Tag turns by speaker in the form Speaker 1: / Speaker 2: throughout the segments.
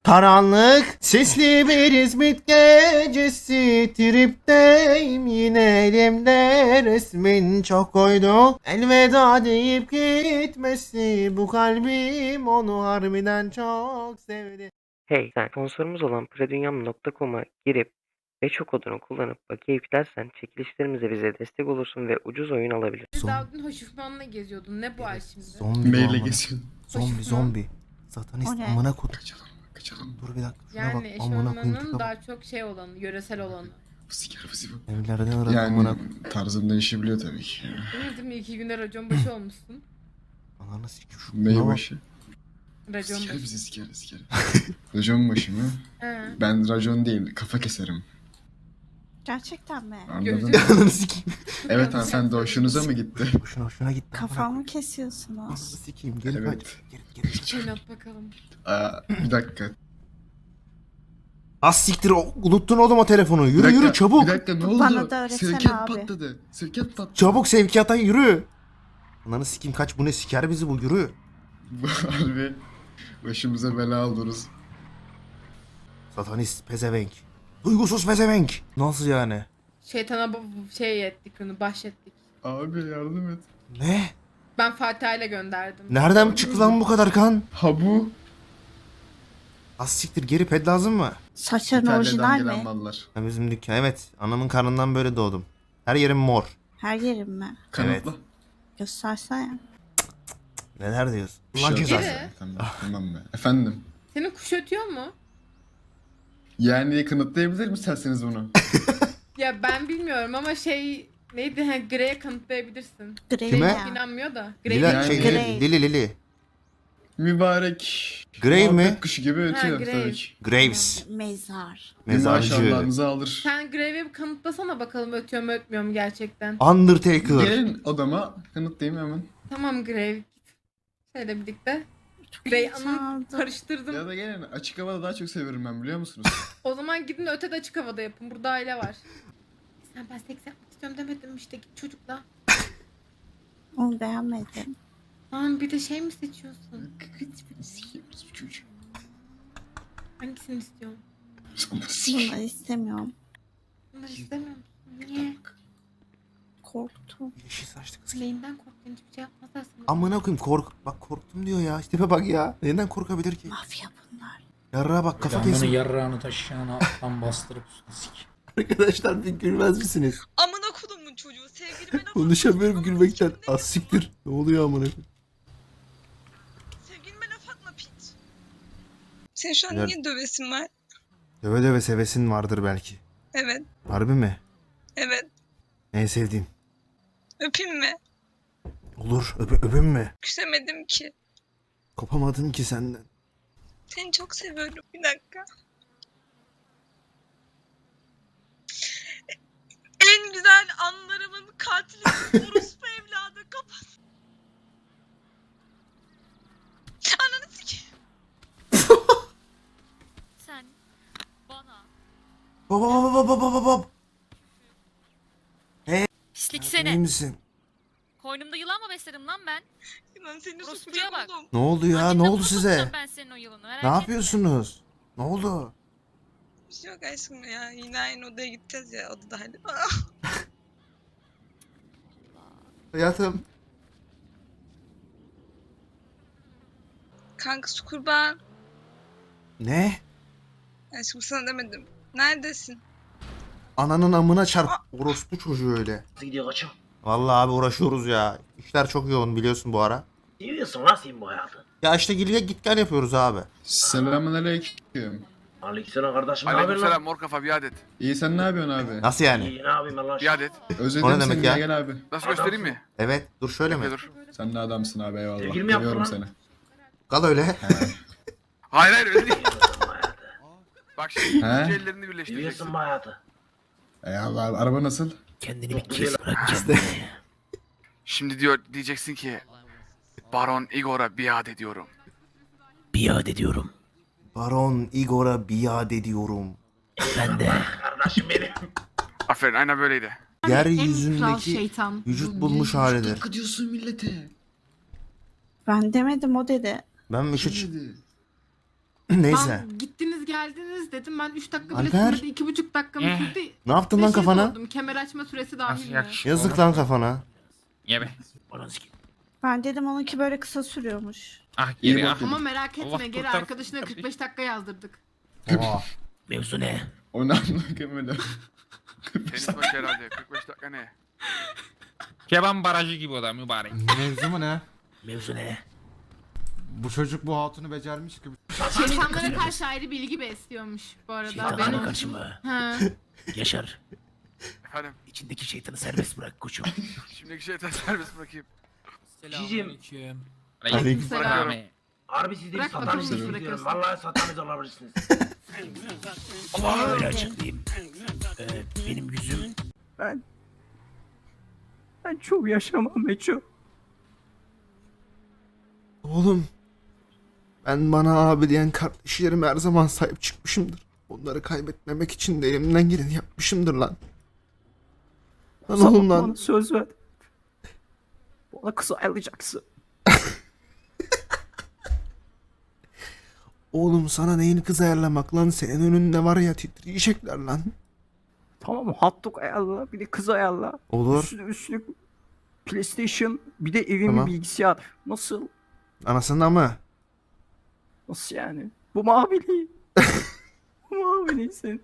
Speaker 1: Karanlık, sisli bir İzmit gecesi, tripteyim yine elimde resmin çok koydu. Elveda deyip gitmesi, bu kalbim onu harbiden çok sevdi.
Speaker 2: Hey, sen sponsorumuz olan predunyam.com'a girip ve çok kodunu kullanıp bakiye yüklersen çekilişlerimize bize destek olursun ve ucuz oyun alabilirsin.
Speaker 3: Daha dün hoşufmanla geziyordun. Ne bu ay şimdi?
Speaker 1: Zombi bu
Speaker 4: Meyle
Speaker 1: amına.
Speaker 4: geçiyorsun.
Speaker 1: Zombi. Satanist
Speaker 5: O ne?
Speaker 1: amına kod.
Speaker 4: Kaçalım.
Speaker 1: Dur bir dakika şuna
Speaker 3: Yani
Speaker 1: bak amına koyayım
Speaker 3: eşofmanın
Speaker 1: tipe bak.
Speaker 3: daha çok şey olanı, yöresel olanı.
Speaker 4: Bu siker bu.
Speaker 1: Evlerden aradım amına
Speaker 4: Yani
Speaker 1: koyayım.
Speaker 4: tarzım değişebiliyor tabii ki.
Speaker 3: Değil mi? 2 günde racon başı olmuşsun.
Speaker 1: Ananı sikim şu
Speaker 4: Ney
Speaker 1: buna bak.
Speaker 4: başı?
Speaker 3: Racon
Speaker 4: Siker
Speaker 3: başı.
Speaker 4: bizi siker. Racon başı mı?
Speaker 3: He.
Speaker 4: Ben racon değil kafa keserim.
Speaker 5: Gerçekten mi?
Speaker 4: Anladın mı?
Speaker 3: Gözü-
Speaker 1: Ananı sikeyim.
Speaker 4: Evet hanımefendi hoşunuza mı gitti?
Speaker 1: Hoşuna gitti.
Speaker 5: Kafamı
Speaker 1: Ananı
Speaker 5: kesiyorsunuz.
Speaker 1: sikeyim geri
Speaker 4: Evet.
Speaker 1: kaç. Geri.
Speaker 3: Oynat bakalım.
Speaker 4: Bir dakika.
Speaker 1: Az siktir unuttun oğlum o telefonu.
Speaker 4: Bir
Speaker 1: Yürü
Speaker 4: dakika,
Speaker 1: yürü çabuk.
Speaker 4: Bir dakika ne oldu?
Speaker 5: Bana da öğretsene
Speaker 4: Sevkiyat
Speaker 5: abi.
Speaker 4: patladı. Sevkiyat patladı.
Speaker 1: Çabuk sevkiyata yürü. Ananı sikeyim kaç bu ne siker bizi bu yürü.
Speaker 4: Bu harbi başımıza bela oluruz.
Speaker 1: Satanist pezevenk. Duygusuz pezevenk. Nasıl yani?
Speaker 3: Şeytana şey ettik onu, bahşettik.
Speaker 4: Abi yardım et.
Speaker 1: Ne?
Speaker 3: Ben Fatih'e ile gönderdim.
Speaker 1: Nereden çıktı lan bu kadar kan?
Speaker 4: Ha bu.
Speaker 1: Az siktir geri ped lazım mı?
Speaker 5: Saçların
Speaker 4: İtalya'dan
Speaker 5: orijinal
Speaker 4: gelen
Speaker 5: mi?
Speaker 4: mallar.
Speaker 1: Ha, bizim dükkan evet. Anamın karnından böyle doğdum. Her yerim mor.
Speaker 5: Her yerim mi?
Speaker 4: Kanıtla.
Speaker 5: Göstersene.
Speaker 1: Neler diyorsun?
Speaker 4: Bir
Speaker 1: Ulan
Speaker 4: şey
Speaker 1: cezası.
Speaker 4: olmaz. Tamam be. Efendim.
Speaker 3: Senin kuş ötüyor mu?
Speaker 4: Yani kanıtlayabilir misiniz bunu?
Speaker 3: Ya ben bilmiyorum ama şey neydi? Ha, Grey'e kanıtlayabilirsin.
Speaker 5: Grey
Speaker 1: Kime?
Speaker 5: ya.
Speaker 3: İnanmıyor da. Grey
Speaker 1: Lila,
Speaker 4: Yani-
Speaker 1: şey,
Speaker 5: Grey.
Speaker 1: Lili.
Speaker 4: Mübarek.
Speaker 1: Grey mi?
Speaker 4: muhabbet kuşu gibi ötüyor
Speaker 3: Grey.
Speaker 4: tabii ki.
Speaker 1: Graves.
Speaker 5: Mezar.
Speaker 1: Mezarcı.
Speaker 4: Maşallahınızı alır.
Speaker 3: Sen Grey'e bir kanıtlasana bakalım ötüyor mu ötmüyor mu gerçekten.
Speaker 1: Undertaker.
Speaker 4: Gelin odama kanıtlayayım hemen.
Speaker 3: Tamam Grey git. Şöyle birlikte.
Speaker 5: Çok
Speaker 3: Grey
Speaker 5: heyecanlı.
Speaker 3: anı karıştırdım.
Speaker 4: Ya da gelin açık havada daha çok severim ben biliyor musunuz?
Speaker 3: O zaman gidin de ötede açık havada yapın. Burada aile var. Sen ben seks yapmak istiyorum demedim mi işte git çocukla.
Speaker 5: Onu beğenmedim.
Speaker 3: Tamam bir de şey mi seçiyorsun?
Speaker 4: Sikiyoruz bu çocuğu.
Speaker 3: Hangisini istiyorsun?
Speaker 4: Sonra sik.
Speaker 5: Bunları istemiyorum.
Speaker 3: Bunları istemiyor musun? Niye?
Speaker 5: Korktum.
Speaker 1: Yeşil saçlı kız.
Speaker 3: Neyinden korktun? Hiçbir şey yapmazlar sana.
Speaker 1: Amına koyayım bak korktum diyor ya. İşte bak ya. Neden korkabilir ki?
Speaker 5: Mafya bunlar.
Speaker 1: Yarrağa bak kafa
Speaker 6: Camını
Speaker 1: kesin.
Speaker 6: yarrağını taşıyana alttan bastırıp üstüne sik.
Speaker 1: Arkadaşlar bir gülmez misiniz?
Speaker 7: Amına kodumun çocuğu sevgilime laf
Speaker 1: Konuşamıyorum
Speaker 7: atma.
Speaker 1: gülmekten.
Speaker 7: Kendine
Speaker 1: Az siktir. Ne oluyor amına koyayım?
Speaker 7: Sevgilime laf atma piç. Senin şu an
Speaker 1: Güzel.
Speaker 7: niye dövesin var?
Speaker 1: Döve döve sevesin vardır belki.
Speaker 7: Evet,
Speaker 1: Harbi mi?
Speaker 7: evet.
Speaker 1: En sevdiğin.
Speaker 7: Öpeyim mi?
Speaker 1: Olur. Öpün mü?
Speaker 7: Küsemedim ki.
Speaker 1: Kopamadım ki senden.
Speaker 7: Seni çok seviyorum. Bir dakika. En güzel anlarımın katili orospu evladı. Kapat. Ananı sikeyim.
Speaker 8: Sen bana
Speaker 1: Baba.
Speaker 8: pislik
Speaker 1: İyi
Speaker 8: seni.
Speaker 1: misin?
Speaker 8: Koynumda yılan mı besledim lan ben?
Speaker 7: Lan seni
Speaker 8: Orospuya
Speaker 7: sokacağım
Speaker 8: bak.
Speaker 7: oğlum.
Speaker 1: Ne oldu ya?
Speaker 8: Annenle
Speaker 1: Ne oldu
Speaker 8: buna
Speaker 1: size?
Speaker 8: sokacağım Ben senin o yılanı merak
Speaker 1: Ne
Speaker 8: etme.
Speaker 1: yapıyorsunuz? Ne oldu?
Speaker 7: Bir şey yok aşkım ya. Yine aynı odaya gideceğiz ya. Odada hadi.
Speaker 1: Hayatım.
Speaker 7: Kanka su kurban.
Speaker 1: Ne?
Speaker 7: Aşkım sana demedim. Neredesin?
Speaker 1: Ananın amına çarp. Orospu çocuğu öyle.
Speaker 9: Nasıl gidiyor koçum?
Speaker 1: Vallahi abi uğraşıyoruz ya. İşler çok yoğun biliyorsun bu ara.
Speaker 9: Seviyorsun lan sen bu hayatı.
Speaker 1: Ya işte git gel yapıyoruz abi.
Speaker 4: Selamünaleyküm.
Speaker 9: Aleykümselam kardeşim. Ne haber lan?
Speaker 10: Aleykümselam mor kafa bir adet.
Speaker 4: İyi sen ne yapıyorsun abi?
Speaker 1: Nasıl yani?
Speaker 9: İyi ne yapayım Allah
Speaker 10: Bir adet.
Speaker 4: Özledim
Speaker 1: O ne demek
Speaker 4: seni
Speaker 1: ya?
Speaker 4: gel abi.
Speaker 10: Nasıl göstereyim mi?
Speaker 1: Evet dur şöyle mi?
Speaker 10: Bekle dur.
Speaker 4: Sen ne adamsın abi eyvallah.
Speaker 9: Sevgili mi yaptın
Speaker 4: Seviyorum
Speaker 9: lan?
Speaker 4: seni.
Speaker 1: Kal öyle.
Speaker 10: Hayır hayır öyle değil.
Speaker 9: Seviyorsun bu hayatı.
Speaker 10: Bak şimdi
Speaker 4: He?
Speaker 10: ikinci ellerini birleştireceksin.
Speaker 9: Seviyorsun bu hayatı.
Speaker 4: Eyvallah araba nasıl?
Speaker 9: Kendini bir kes
Speaker 1: bırak kendini.
Speaker 10: Şimdi diyeceksin ki Baron Igor'a biat ediyorum.
Speaker 9: Biat ediyorum.
Speaker 1: Baron Igor'a biat ediyorum.
Speaker 9: Ben de. Kardeşim benim.
Speaker 10: Aferin aynen böyleydi.
Speaker 3: En kral
Speaker 1: Yeryüzündeki
Speaker 3: şeytan.
Speaker 1: vücut bulmuş halidir.
Speaker 4: diyorsun millete.
Speaker 5: Ben demedim o dedi.
Speaker 1: Ben bir şey...
Speaker 4: Dedi.
Speaker 1: Neyse.
Speaker 3: Lan gittiniz geldiniz dedim. Ben 3 dakika bile
Speaker 1: Alper.
Speaker 3: sürmedi. 2,5 dakika mı sürdü?
Speaker 1: Ne yaptın lan
Speaker 3: Beşe
Speaker 1: kafana?
Speaker 3: sordum. Kemer açma süresi dahil mi?
Speaker 1: Yazık lan kafana.
Speaker 6: Ye be.
Speaker 9: Ananı sikeyim.
Speaker 5: Ben dedim onunki böyle kısa sürüyormuş.
Speaker 6: Ah
Speaker 4: İyi
Speaker 6: geri ah.
Speaker 4: bakın.
Speaker 3: Ama merak etme
Speaker 6: Allah
Speaker 3: geri
Speaker 6: kurtarsın
Speaker 3: arkadaşına
Speaker 6: tabii.
Speaker 3: 45 dakika yazdırdık.
Speaker 6: Oha.
Speaker 9: Mevzu ne?
Speaker 4: Onu anlamadım.
Speaker 10: Tenis maçı herhalde. 45 dakika ne?
Speaker 6: Keban barajı gibi o da mübarek.
Speaker 11: Mevzu mu ne?
Speaker 9: Mevzu ne?
Speaker 11: Bu çocuk bu hatunu becermiş gibi.
Speaker 3: Şeytanlara karşı ayrı bilgi besliyormuş bu arada.
Speaker 9: Şeytanlara
Speaker 3: Ben
Speaker 9: karşı mı?
Speaker 3: Ha.
Speaker 9: Yaşar.
Speaker 10: Efendim.
Speaker 9: İçindeki şeytanı serbest bırak koçum.
Speaker 10: Şimdiki şeyden serbest bırakayım.
Speaker 9: Cicim.
Speaker 3: Aleykümselam.
Speaker 10: Bırakıyorum.
Speaker 9: Harbi siz de
Speaker 3: Bırak bakalım
Speaker 9: satanist
Speaker 3: nasıl
Speaker 9: diyorum.
Speaker 3: bırakıyorsun.
Speaker 9: Vallahi satanist olabilirsiniz. Öyle açıklayayım. Benim yüzüm...
Speaker 2: Ben çok yaşamam Meço.
Speaker 1: Oğlum. Ben bana abi diyen kardeşlerime her zaman sahip çıkmışımdır. Onları kaybetmemek için de elimden geleni yapmışımdır lan. Lan oğlum lan.
Speaker 2: Söz ver. Bana kız ayarlayacaksın.
Speaker 1: Oğlum sana neyin kız ayarlamak lan? Senin önünde var ya titriyecekler lan.
Speaker 2: Tamam hotdog ayarla bir de kız ayarla.
Speaker 1: Olur.
Speaker 2: Üstüne PlayStation bir de evin
Speaker 1: Tamam.
Speaker 2: bilgisayar. Nasıl?
Speaker 1: Anasından mı?
Speaker 2: Nasıl yani? Bu maviliği. Bu maviliği sen.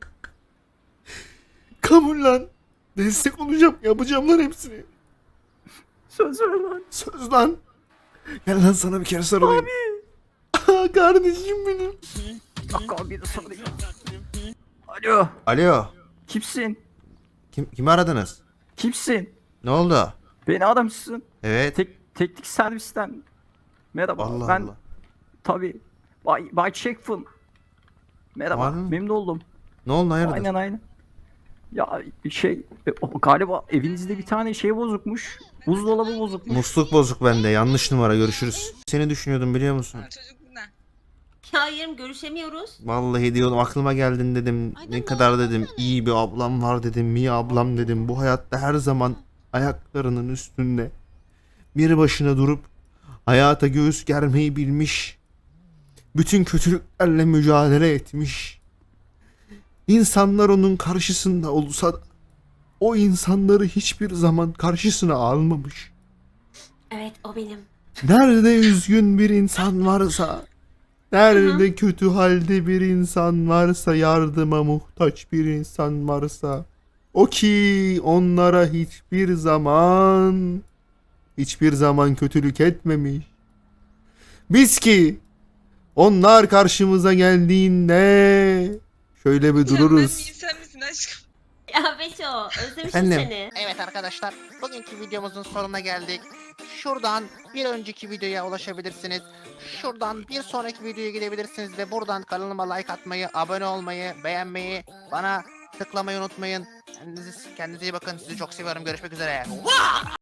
Speaker 1: Kabul lan. Destek olacağım. Yapacağım lan hepsini.
Speaker 2: Söz ver lan.
Speaker 1: Söz lan. Gel lan sana bir kere sarılayım. Abi. Kardeşim benim.
Speaker 2: Dakika bir de sarılayım. Alo.
Speaker 1: Alo.
Speaker 2: Kimsin?
Speaker 1: Kimi aradınız?
Speaker 2: Kimsin?
Speaker 1: Ne oldu?
Speaker 2: Beni aramışsın.
Speaker 1: Evet.
Speaker 2: Teknik servisten. Merhaba.
Speaker 1: Allah
Speaker 2: ben
Speaker 1: Allah.
Speaker 2: tabii. Bay Checkful. Merhaba.
Speaker 1: Var mı?
Speaker 2: Memnun oldum.
Speaker 1: Ne oldu hayırdır?
Speaker 2: Aynen. Ya galiba evinizde bir tane şey bozukmuş. Buzdolabı bozukmuş.
Speaker 1: Musluk bozuk bende. Yanlış numara. Görüşürüz. Seni düşünüyordum biliyor musun?
Speaker 7: Çocuk ne?
Speaker 5: Hayır görüşemiyoruz.
Speaker 1: Vallahi diyordum aklıma geldin dedim. Ne kadar dedim iyi bir ablam var dedim. Mia ablam dedim. Bu hayatta her zaman ayaklarının üstünde. Bir başına durup hayata göğüs germeyi bilmiş. Bütün kötülüklerle mücadele etmiş. İnsanlar onun karşısında olsa da o insanları hiçbir zaman karşısına almamış.
Speaker 5: Evet o benim.
Speaker 1: Nerede üzgün bir insan varsa, nerede kötü halde bir insan varsa, yardıma muhtaç bir insan varsa, o ki onlara hiçbir zaman kötülük etmemiş. Biz ki onlar karşımıza geldiğinde şöyle bir dururuz.
Speaker 7: Sen misin aşkım?
Speaker 5: Ya Beşo özlemişim
Speaker 1: Efendim?
Speaker 5: seni.
Speaker 12: Evet arkadaşlar, bugünkü videomuzun sonuna geldik. Şuradan bir önceki videoya ulaşabilirsiniz. Şuradan bir sonraki videoya gidebilirsiniz ve buradan kanalıma like atmayı, abone olmayı, beğenmeyi, bana tıklamayı unutmayın. Kendinize iyi bakın. Sizi çok seviyorum. Görüşmek üzere.